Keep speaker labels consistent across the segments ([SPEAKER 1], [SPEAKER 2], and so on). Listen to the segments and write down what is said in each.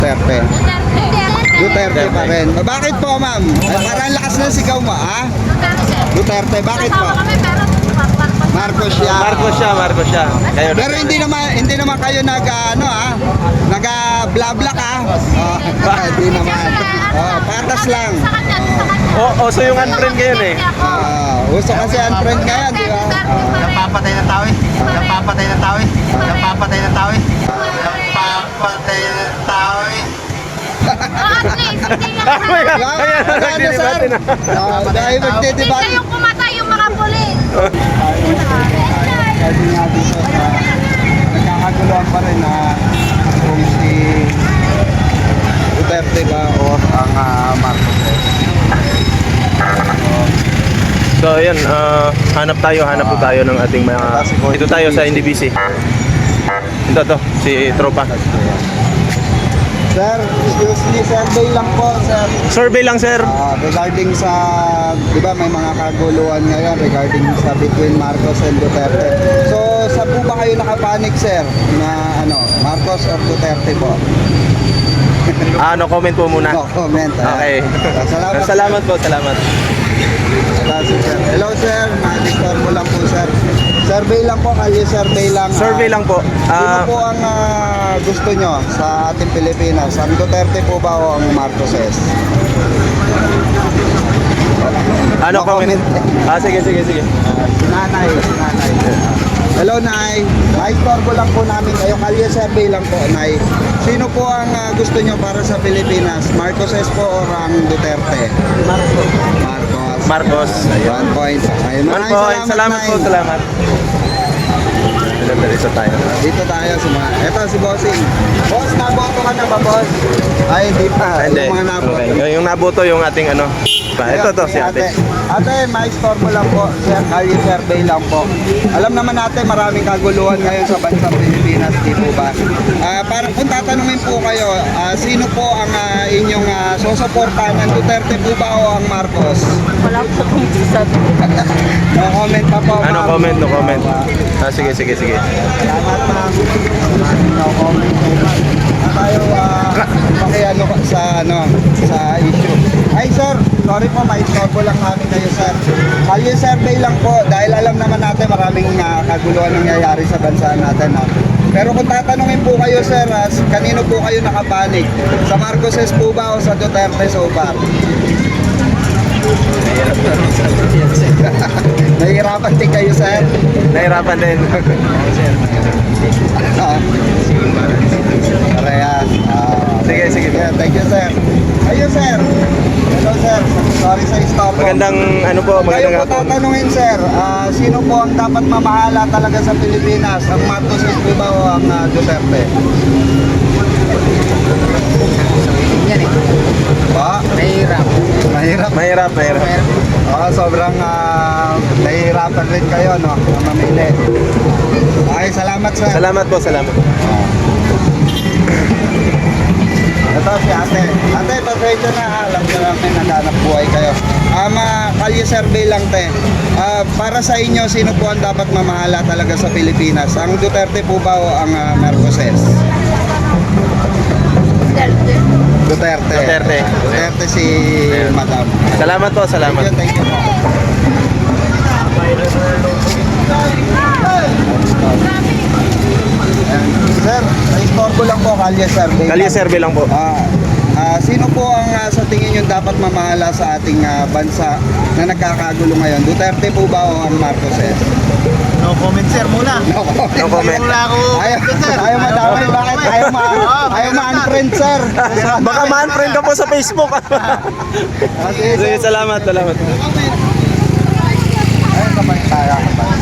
[SPEAKER 1] Duterte. Duterte pa
[SPEAKER 2] Duterte.
[SPEAKER 1] rin. Bakit po, ma'am? Ay, parang lakas ng sigaw mo, ha? Duterte, bakit po? Marcos siya.
[SPEAKER 2] Marcos siya. Kayo
[SPEAKER 1] Pero hindi naman kayo nag ano bla ka. Oh, hindi naman. Oh, patas lang.
[SPEAKER 2] so yung unfriend kayo eh.
[SPEAKER 1] Uso kasi ang trend ngayon, di ba?
[SPEAKER 3] Napapatay ng tao eh. Napapatay ng tao eh. Napapatay ng tao eh. Napapatay ng tao eh.
[SPEAKER 2] Nagdidebate na.
[SPEAKER 1] Dahil magdidebate.
[SPEAKER 4] Yung kumatay yung mga pulis.
[SPEAKER 1] Kasi nga dito sa nagkakaguluhan pa rin na kung si Duterte ba o ang Marcos.
[SPEAKER 2] So ayan, hanap po tayo ng ating mga... Ito tayo sa NDBC. Ito si Tropa.
[SPEAKER 1] Sir, excuse me, survey lang po, sir.
[SPEAKER 2] Survey lang, sir.
[SPEAKER 1] Regarding sa, di ba may mga kaguluhan ngayon regarding sa between Marcos and Duterte. So, saan po ba kayo nakapanik, sir? Na Marcos or Duterte po?
[SPEAKER 2] No comment po muna.
[SPEAKER 1] No comment.
[SPEAKER 2] Okay.
[SPEAKER 1] Salamat.
[SPEAKER 2] Salamat po, salamat.
[SPEAKER 1] Sir. Hello, sir. Ma-disturb mo lang po, sir. Survey lang po, kalye survey lang.
[SPEAKER 2] Survey lang po.
[SPEAKER 1] Sino po ang gusto nyo sa ating Pilipinas? Ang Duterte po ba o ang Marcoses?
[SPEAKER 2] Ano
[SPEAKER 1] No
[SPEAKER 2] comment?
[SPEAKER 1] comment.
[SPEAKER 2] Sige.
[SPEAKER 1] Nanay. Hello, Nay. Ma-istorbo lang po namin kayo. Kalye survey lang po, Nay. Sino po ang gusto nyo para sa Pilipinas? Marcoses po o ang Duterte?
[SPEAKER 2] Marcos. Ayun.
[SPEAKER 1] 1 point. Ayun.
[SPEAKER 2] One
[SPEAKER 1] Maraming
[SPEAKER 2] point. Salamat po,
[SPEAKER 1] Nay.
[SPEAKER 2] salamat. Dito tayo.
[SPEAKER 1] Dito tayo sa mga... Ito si Bossing. Boss, naboto ka na ba, boss? Ay, hindi pa.
[SPEAKER 2] Hindi.
[SPEAKER 1] Yung mga naboto.
[SPEAKER 2] Okay. Yung naboto yung ating ano. Ito si ate.
[SPEAKER 1] Ate, ma-store mo lang po. Sir, kalye survey lang po. Alam naman natin maraming kaguluhan ngayon sa bansang Pilipinas, di po ba? Para kung tatanungin po kayo, sino po ang inyong susuportahan? Ang Duterte po ba o ang Marcos?
[SPEAKER 4] Wala po kong sabi.
[SPEAKER 1] No comment pa po.
[SPEAKER 2] Ano
[SPEAKER 1] ma'am.
[SPEAKER 2] comment, no comment. Sige.
[SPEAKER 1] Salamat, ma'am. No comment po, ma'am. Tayo sa issue. Ay, sir, sorry po, ma-istorbo lang namin kayo, sir. Kalye survey lang po dahil alam naman natin maraming kaguluhan nangyayari sa bansa natin. No? Pero kung tatanungin po kayo, sir, kanino po kayo nakapanig? Sa Marcoses po ba o sa Duterte so far? Nahihirapan din kayo, sir.
[SPEAKER 2] Nahirapan din.
[SPEAKER 1] Parehas.
[SPEAKER 2] Sige.
[SPEAKER 1] Yeah, thank you, sir. Ayun, sir. Hello, sir. Sorry sa istorbo.
[SPEAKER 2] Magandang
[SPEAKER 1] Kayo
[SPEAKER 2] magandang
[SPEAKER 1] po
[SPEAKER 2] hapon.
[SPEAKER 1] tatanungin, sir, sino po ang dapat mamahala talaga sa Pilipinas? Ang Marcoses po ba o ang Duterte?
[SPEAKER 3] Yan eh.
[SPEAKER 1] Ba?
[SPEAKER 3] Mahirap.
[SPEAKER 1] Mahirap. Sobrang nahihirapan rin kayo, no? Na mamili. Okay, salamat, sir.
[SPEAKER 2] Salamat po, salamat.
[SPEAKER 1] Ito si ate. Ate, pasensya na. Alam ko namin naghanap buhay kayo. Kalye survey lang, te. Para sa inyo, sino po ang dapat mamahala talaga sa Pilipinas? Ang Duterte po ba o ang Marcoses? Duterte si Madam.
[SPEAKER 2] Salamat po, salamat.
[SPEAKER 1] Thank you po. Sir, na-istorbo lang po, kalye survey.
[SPEAKER 2] Kalye survey lang po.
[SPEAKER 1] Sino po ang sa tingin nyo dapat mamahala sa ating bansa na nagkakagulo ngayon? Duterte po ba o ang Marcoses?
[SPEAKER 3] No comment, sir, muna.
[SPEAKER 1] No comment.
[SPEAKER 2] No comment.
[SPEAKER 3] Wala ako.
[SPEAKER 1] Ayaw madami. Bakit? Ayaw ma-unfriend, sir.
[SPEAKER 2] Baka ma-unfriend ka po sa Facebook. Sige, salamat.
[SPEAKER 1] Ayun, kapag tayo.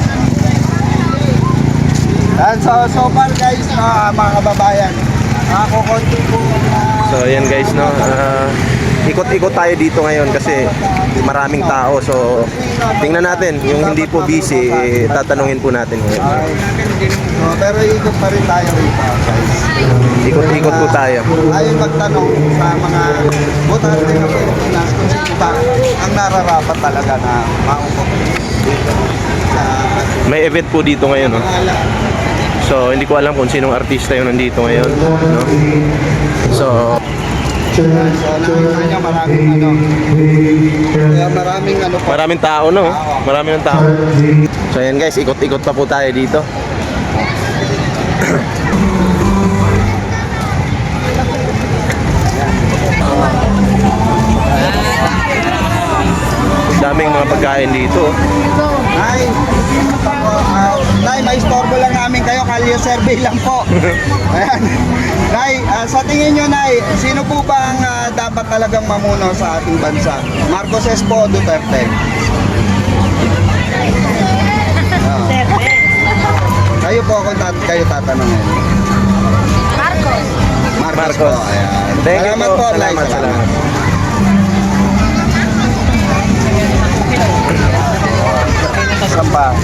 [SPEAKER 1] So far, guys, mga kababayan, kukunti po
[SPEAKER 2] So ayan guys, no. Ikot-ikot tayo dito ngayon kasi maraming tao. So tingnan natin, yung hindi po busy, tatanungin po natin ngayon.
[SPEAKER 1] pero ikot pa rin tayo rito, guys.
[SPEAKER 2] Ikot-ikot po tayo.
[SPEAKER 1] Ayaw magtanong sa mga botante ng Pilipinas kung sino ba ang nararapat talaga na maupo dito sa
[SPEAKER 2] May event po dito ngayon, no. So, hindi ko alam kung sinong artista yung nandito ngayon, no? So,
[SPEAKER 1] So, nakita nyo maraming kaya maraming po.
[SPEAKER 2] maraming tao, no? Maraming ng tao. So, ayan guys, ikot-ikot pa po tayo dito. Daming mga pagkain dito.
[SPEAKER 1] Nay, Nay, may istorbo lang namin kayo, kalye survey lang po. Ayan. Nay, sa tingin nyo, Nay, sino po ba ang dapat talagang mamuno sa ating bansa? Marcos po o Duterte? Kayo po kung kayo tatanungin.
[SPEAKER 4] Marcos.
[SPEAKER 1] Marcos po. Ayan.
[SPEAKER 2] Thank you
[SPEAKER 1] Salamat
[SPEAKER 2] po.
[SPEAKER 1] po, Nay.
[SPEAKER 2] Salamat.
[SPEAKER 1] Sampa.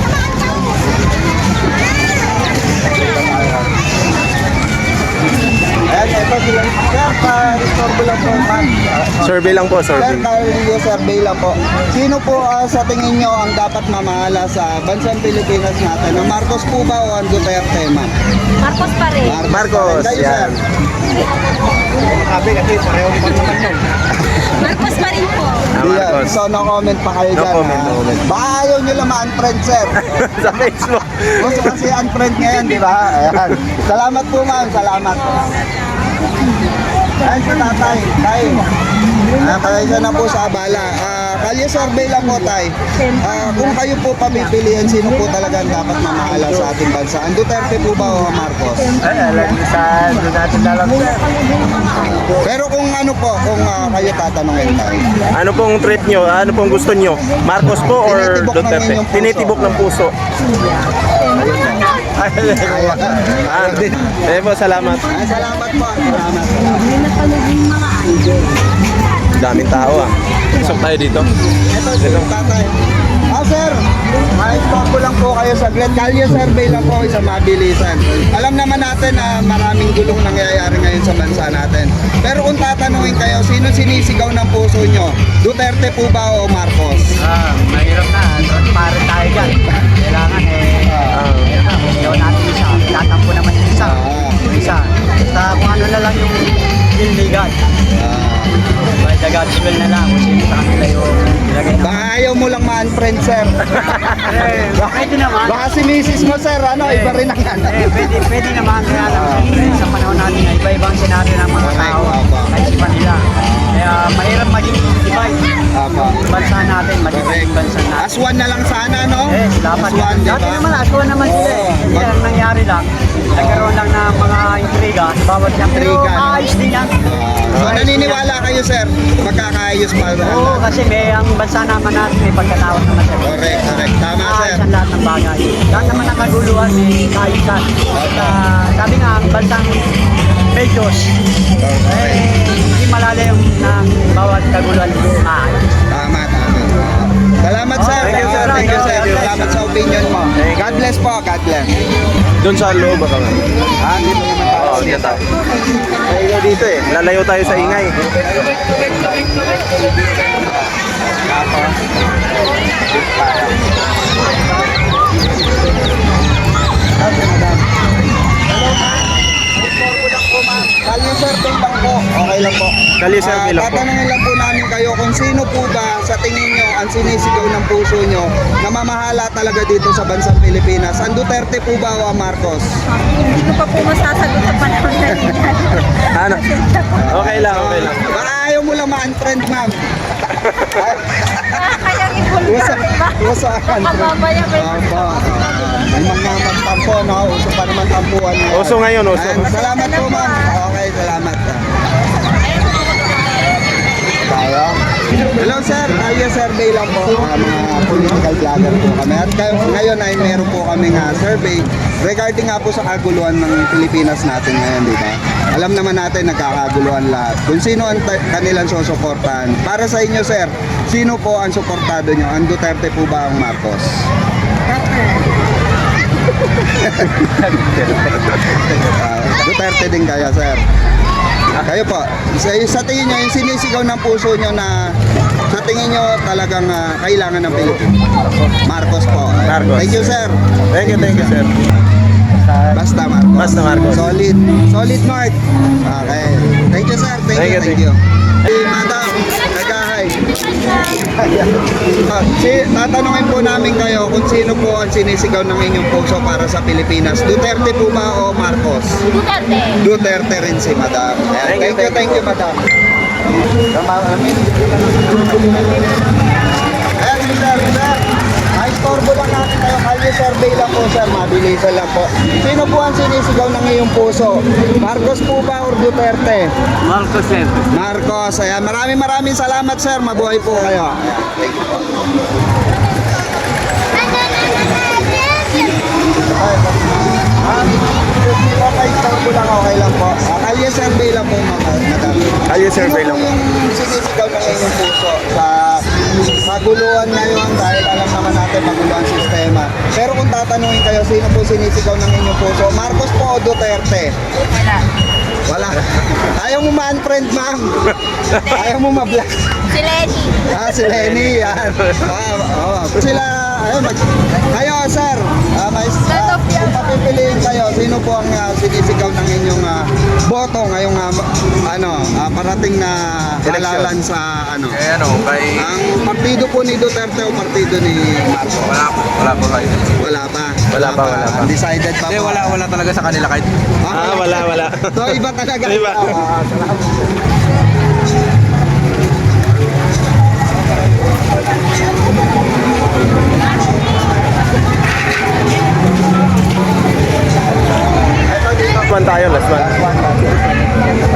[SPEAKER 1] Ayan, ito sila. Sir, istorbo lang po, ma'am.
[SPEAKER 2] Survey lang po,
[SPEAKER 1] Sir,
[SPEAKER 2] survey.
[SPEAKER 1] survey lang po. Sino po sa tingin nyo ang dapat mamahala sa bansang Pilipinas natin? Ang Marcos po ba o ang Duterte, ma'am?
[SPEAKER 4] Marcos pa rin.
[SPEAKER 2] Marcos,
[SPEAKER 1] Kayo,
[SPEAKER 2] yan.
[SPEAKER 1] sir.
[SPEAKER 4] Marcos pa rin po.
[SPEAKER 2] Marcos.
[SPEAKER 1] So, no comment pa kayo
[SPEAKER 2] No
[SPEAKER 1] dyan.
[SPEAKER 2] comment, no comment.
[SPEAKER 1] Baka ayaw nyo lang ma-unfriend, sir.
[SPEAKER 2] Sa Facebook.
[SPEAKER 1] Gusto kasi unfriend ngayon, di ba? Ayan. Salamat po, ma'am. Salamat. Ayan sa tatay. Tay. Kaya na po sa abala. Kalye survey lang po, tay. Kung kayo po pamipiliin, sino po talaga ang dapat mamahala sa ating bansa? Ang Duterte po ba o ang Marcos?
[SPEAKER 3] Ay, alam niyo sa doon natin dalang sir.
[SPEAKER 1] Pero kung ano po, kung kayo tatanungin, tay.
[SPEAKER 2] Ano pong trip nyo? Ano pong gusto nyo? Marcos po or
[SPEAKER 1] Tinitibok ng
[SPEAKER 2] Duterte?
[SPEAKER 1] inyong puso.
[SPEAKER 2] Tinitibok ng puso. Po, salamat.
[SPEAKER 1] Salamat po. Salamat.
[SPEAKER 2] Daming tao ah. Isok tayo dito.
[SPEAKER 1] Ito si tatay. Sir, ma-stop lang po kayo sa Kalye survey lang po sa mabilisan. Alam naman natin na maraming gulong nangyayari ngayon sa bansa natin. Pero kung tatanungin kayo, sino sinisigaw ng puso nyo? Duterte po ba o Marcos?
[SPEAKER 3] Mahirap na. Transparent tayo dyan. Kailangan ayaw natin isa. Tatampo naman yung isa. Isa. Basta kung ano na lang yung illegal. By the God's will na lang. Kung sino sa kanila yung ilagay na.
[SPEAKER 1] Baka ayaw mo lang ma-unfriend, sir.
[SPEAKER 3] Pwede naman.
[SPEAKER 1] Baka si misis mo, sir, iba rin ang
[SPEAKER 3] Pwede naman. Kaya lang, siyempre, sa panahon natin na iba-ibang senaryo ng mga tao. Kahit si nila. Kaya mahirap maging divide. Yung bansa natin, maging bansa natin.
[SPEAKER 1] Aswan na lang sana, no?
[SPEAKER 3] Dapat
[SPEAKER 1] Aswan, di
[SPEAKER 3] dati
[SPEAKER 1] ba?
[SPEAKER 3] naman, aswan naman sila eh. Hindi lang nangyari lang. Nagkaroon lang ng mga intriga sa bawat yan. Pero
[SPEAKER 1] Intriga, no?
[SPEAKER 3] ayos din yan.
[SPEAKER 1] So, naniniwala kayo, sir, magkakaayos pa rin.
[SPEAKER 3] Oo, kasi may ang bansa naman natin, may pagkatawad naman sila.
[SPEAKER 1] Correct. Tama, sir.
[SPEAKER 3] Ayos ang lahat ng bagay. Lahat naman ng kaguluhan, may kaayusan. Sabi nga, ang bansang Beijos, hindi malalim ng bawat kaguluhan.
[SPEAKER 1] Tama. Salamat, sir.
[SPEAKER 3] Thank you, sir.
[SPEAKER 1] Thank you, sir. Salamat sa opinion mo. God bless po. God bless.
[SPEAKER 2] Doon sa loob ba kami?
[SPEAKER 1] Dito naman tayo.
[SPEAKER 2] Oo, dyan tayo. Lalayo dito eh. Lalayo tayo sa ingay.
[SPEAKER 1] Kalye survey lang po. Okay lang po.
[SPEAKER 2] Kalye survey lang po.
[SPEAKER 1] Tatanungin lang po namin kayo kung sino po ba sa tingin nyo ang sinisigaw ng puso nyo na mamahala talaga dito sa bansang Pilipinas. Ang Duterte po ba o ang Marcos?
[SPEAKER 4] Hindi ko pa po masasagot sa panahon na rin.
[SPEAKER 2] Ano? Okay lang.
[SPEAKER 1] Baka ayaw mo lang ma-unfriend, ma'am.
[SPEAKER 4] Kayang ibulgar, diba?
[SPEAKER 1] Usa ka.
[SPEAKER 4] Mababaya ko yun.
[SPEAKER 1] May mga magtampo, no? Uso pa naman tampuan ngayon.
[SPEAKER 2] Uso ngayon, uso.
[SPEAKER 1] Ayan, salamat po, ma'am. Okay, salamat. Tayo. Hello, sir. Kalye survey lang po. Mga political vlogger po kami. At ngayon ay meron po kami survey regarding nga po sa kaguluhan ng Pilipinas natin ngayon, di ba? Alam naman natin nagkakaguluhan lahat. Kung sino ang kanilang susuportahan. Para sa inyo, sir, sino po ang suportado nyo? Ang Duterte po ba ang Marcos? Duterte din kaya, sir. Kayo po, sa tingin nyo, yung sinisigaw ng puso nyo na sa tingin nyo talagang kailangan ng Pilipinas? Marcos po.
[SPEAKER 2] Marcos.
[SPEAKER 1] Thank you, sir.
[SPEAKER 2] Thank you, sir.
[SPEAKER 3] Basta
[SPEAKER 1] Basta Marcos.
[SPEAKER 2] Basta Marcos.
[SPEAKER 1] Solid. Solid Mark. Okay. Thank you sir. Thank you.
[SPEAKER 2] Thank
[SPEAKER 1] Thank
[SPEAKER 2] you.
[SPEAKER 1] you. Hey, madam. Nagahay. Tatanungin po namin kayo kung sino po ang sinisigaw ng inyong puso para sa Pilipinas. Duterte po ba o Marcos?
[SPEAKER 4] Duterte.
[SPEAKER 1] Duterte rin si madam. Ayan, thank you, madam. Ayan, sir. Istorbo lang natin tayo. Kalye survey lang po, sir. Mabilisan lang po. Sino po ang sinisigaw ng iyong puso? Marcos po ba or Duterte?
[SPEAKER 3] Marcos, sir.
[SPEAKER 1] Marcos. Ayan, maraming salamat, sir. Mabuhay po kayo. Ayan, thank you po. Okay, istorbo lang. Okay lang po. Kalye survey lang po, madam.
[SPEAKER 2] Kalye survey lang po.
[SPEAKER 1] Sino po yung sinisigaw ng inyong puso sa maguluhan ngayon dahil alam naman natin maguluhan sistema. Pero kung tatanungin kayo, sino po sinisigaw ng inyong puso? Marcos po o Duterte?
[SPEAKER 4] Wala.
[SPEAKER 1] Wala. Ayaw mo ma-unfriend, ma'am. Ayaw mo ma-block.
[SPEAKER 4] Si Lenny.
[SPEAKER 1] Si Lenny, yan. Sila, ayun, kayo, sir. Kung papipiliin kayo, sino po ang sinisigaw ng inyong boto ngayong parating na halalan sa
[SPEAKER 2] Kay...
[SPEAKER 1] ang partido po ni Duterte o partido ni Marcos?
[SPEAKER 2] Wala po kayo.
[SPEAKER 1] Wala pa.
[SPEAKER 2] Wala pa.
[SPEAKER 1] Undecided pa po.
[SPEAKER 2] Wala talaga sa kanila kahit... wala.
[SPEAKER 1] So, iba talaga.
[SPEAKER 2] Iba. Last one tayo, last one.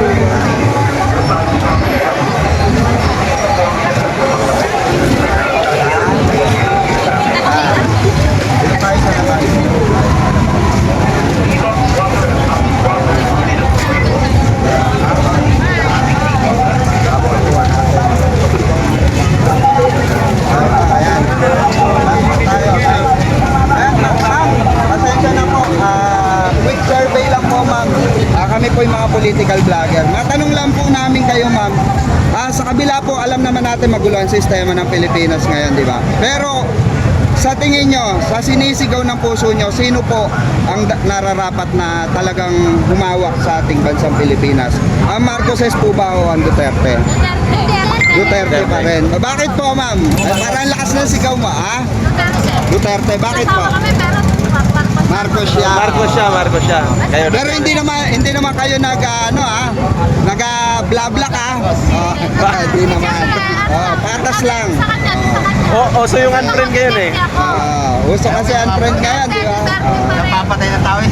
[SPEAKER 1] Ayan. Tayo. Ayan, ma'am. Pasensya na po. Quick survey lang po, ma'am. Kami po yung mga political vlogger. Matanong lang po namin kayo, ma'am. Sa kabila po, alam naman natin magulo ang sistema ng Pilipinas ngayon, di ba? Pero, sa tingin nyo, sa sinisigaw ng puso nyo, sino po ang nararapat na talagang humawak sa ating bansang Pilipinas? Ang Marcoses po ba o ang Duterte? Duterte pa rin. Bakit po, ma'am? Parang lakas ng sigaw mo, ha? Duterte, bakit po? Marcos siya.
[SPEAKER 2] Marcos siya. Kayo,
[SPEAKER 1] Pero hindi naman kayo nag-bla-bla ka. Hindi naman. Patas lang.
[SPEAKER 2] so yung unfriend kayo eh.
[SPEAKER 1] Uso kasi ang trend ngayon, di ba?
[SPEAKER 3] Napapatay na tao eh.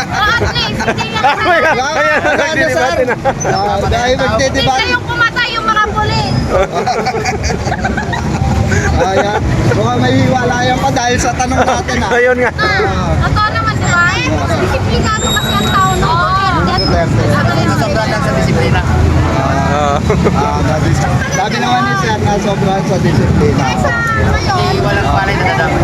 [SPEAKER 1] Dahil magdidebate.
[SPEAKER 4] Hindi kayong pumatay yung mga pulis.
[SPEAKER 1] Ayan. Mukhang may hiwalayan pa dahil sa tanong natin, ha?
[SPEAKER 2] Ayun nga.
[SPEAKER 4] Totoo naman, di ba? Disiplinado kasi ang tao ng
[SPEAKER 1] Duterte.
[SPEAKER 3] Sobrang lang sa disiplina.
[SPEAKER 1] Sabi naman ni Sir na sobrang sa disiplina.
[SPEAKER 3] Hindi walang palay na dapat.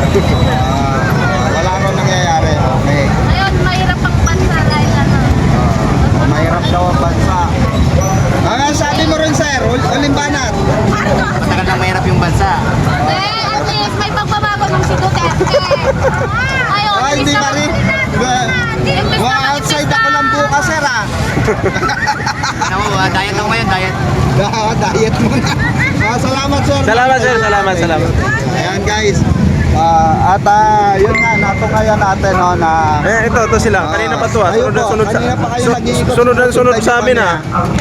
[SPEAKER 1] Wala rin nangyayari. Okay.
[SPEAKER 4] Ngayon, mahirap ang bansa dahil
[SPEAKER 1] Mahirap daw ang bansa. Sabi mo rin, Sir, ulimbanat.
[SPEAKER 3] Matagal na mahirap yung bansa.
[SPEAKER 4] At least may pagbabago ng si Duterte. Ayun,
[SPEAKER 1] Hindi pa rin. Outside ako lang bukas, Sir, ha?
[SPEAKER 3] Ano mo, diet ako ngayon, diet.
[SPEAKER 1] Diet muna. Salamat, Sir.
[SPEAKER 2] Salamat.
[SPEAKER 1] Ayan, guys. Yun nga, natungayan natin, no, na...
[SPEAKER 2] Ito sila. Kanina pa to ah.
[SPEAKER 1] Ayun po,
[SPEAKER 2] Sunod
[SPEAKER 1] kanina pa kayo nag-iikot.
[SPEAKER 2] sunod sa amin ah.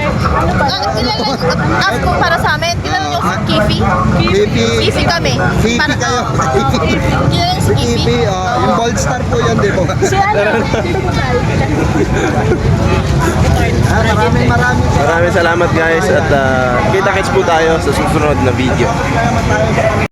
[SPEAKER 4] Ask ko para sa amin, kilala niyo si Kifi?
[SPEAKER 1] Kifi.
[SPEAKER 4] Kifi kami.
[SPEAKER 1] Kifi kayo.
[SPEAKER 4] Kilala si Kifi?
[SPEAKER 1] Kifi, yung Bold Star po yun, di ba?
[SPEAKER 4] Si ano?
[SPEAKER 1] Maraming
[SPEAKER 2] Maraming salamat guys at kita-kits po tayo sa susunod na video.
[SPEAKER 1] salamat tayo.